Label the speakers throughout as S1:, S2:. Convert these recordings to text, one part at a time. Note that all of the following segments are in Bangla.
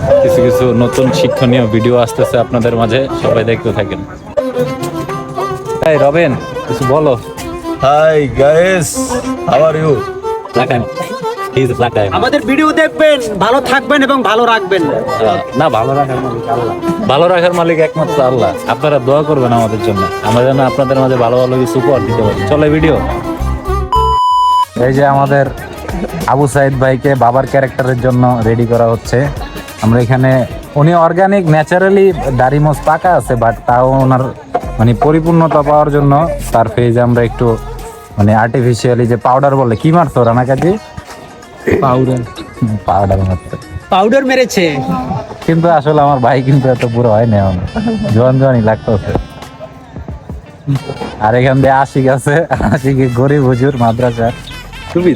S1: কিছু কিছু নতুন শিক্ষণীয় ভিডিও আসতেছে আপনাদের মাঝে, সবাই দেখতে থাকেন। এই রবেন, কিছু বলো।
S2: Hi guys, how are you?
S3: আমাদের ভিডিও দেখবেন, ভালো থাকবেন এবং ভালো রাখবেন।
S1: না, ভালো রাখার মালিক আল্লাহ, ভালো রাখার মালিক একমাত্র আল্লাহ। আপনারা দোয়া করবেন আমাদের জন্য, আমরা যেন আপনাদের মাঝে ভালো ভালো কিছু উপহার দিতে পারি। চলে ভিডিও। এই যে আমাদের আবু সাইদ ভাইকে বাবার ক্যারেক্টারের জন্য রেডি করা হচ্ছে। আমরা এখানে, উনি অর্গানিক ন্যাচারালি দাড়ি মোজ পাকা আছে, বাট তাও ওনার মানে পরিপূর্ণতা পাওয়ার জন্য তার ফেজে আমরা একটু মানে আর্টিফিশিয়ালি যে পাউডার বলে, কি মারতো রানা কাজী? পাউডার মারতো,
S3: পাউডার মেরেছে।
S1: কিন্তু আসলে আমার ভাই কিন্তু এত বুড়ো হয় না, এখন জোয়ান জোয়ানই লাগতেছে। আর এখান দিয়ে আশিক আছে, আশিকে গরিব হুজুর মাদ্রাসা টুপি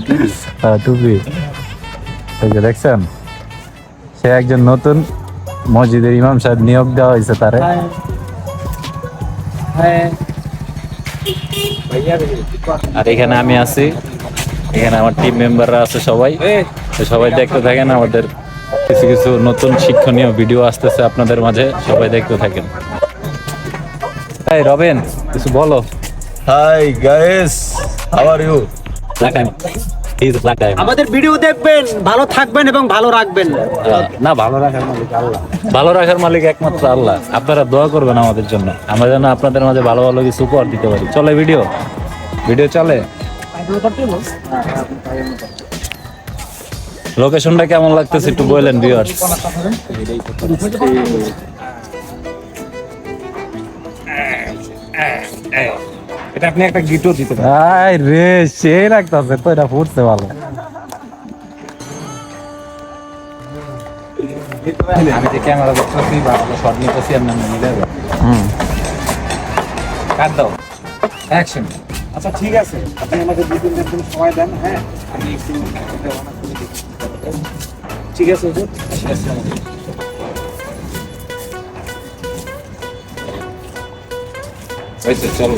S1: এই যে দেখছেন, সে একজন নতুন মসজিদের ইমাম সাহেব নিয়োগ দেওয়া হয়েছে তারে। আর এখানে আমি আছি, এখানে আমার টিম মেম্বাররা আছে সবাই। তো সবাই দেখতে থাকেন, আমাদের কিছু কিছু নতুন শিক্ষণীয় ভিডিও আসতেছে আপনাদের মাঝে, সবাই দেখতে থাকেন। এই রবেন, কিছু বলো।
S2: Hi guys, how are you?
S3: আমাদের ভিডিও দেখবেন, ভালো থাকবেন এবং ভালো রাখবেন।
S1: না, ভালো রাখার মালিক আল্লাহ, ভালো রাখার মালিক একমাত্র আল্লাহ। আপনারা দোয়া করবেন আমাদের জন্য, আমরা যেন আপনাদের মাঝে ভালো ভালো কিছু উপহার দিতে পারি। চলে ভিডিও চলে। লোকেশনটা কেমন লাগতেছে একটু বললেন ভিউয়ার্স।
S4: এটা আপনি একটা গিটও দিতে পারেন।
S1: আই রে, সেই লাগতেছে তো, এটা ফুটছে ভালো।
S4: আমি যে ক্যামেরা দেখতেছি বা শট নিতেছি আপনার মিলে কাট দাও, অ্যাকশন। আচ্ছা ঠিক আছে, আপনি আমাকে 2-3 দিন সময় দেন। হ্যাঁ, আমি একটু রওনা করে দিই। ঠিক আছে হুজুর, আচ্ছা চলো।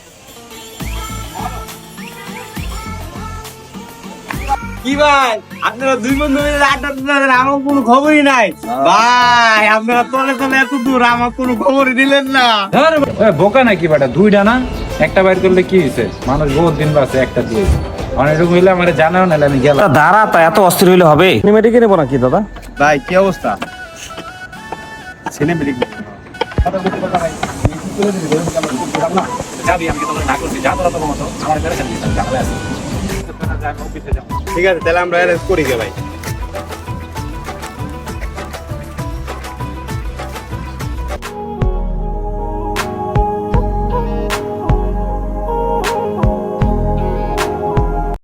S3: কি ভাই, আপনারা দুই বন্ধু মিলে আড্ডা দিলেন, আমার কোনো খবরই নাই। ভাই আপনারা তলে তলে এত দূর, আমার কোনো খবরই দিলেন না।
S4: বোকা নাকি বেটা, দুইটা না একটা বাইর করলে কি হয়েছে? মানুষ বহুত দিন বাসে একটা দিয়ে অনেকটুকু হইলে আমার জানাও না, আমি গেলাম।
S3: দাঁড়া, তা এত অস্থির হইলে হবে? সিনেমেটিকে নেবো নাকি দাদা?
S2: ভাই কি অবস্থা? সিনেমেটিক
S4: যাবি, আমি তো না করছি, যা তোরা তো মতো আমার কাছে ঝামেলা আছে।
S2: ঠিক আছে, তাহলে আমরা অ্যারেঞ্জ করি গে ভাই।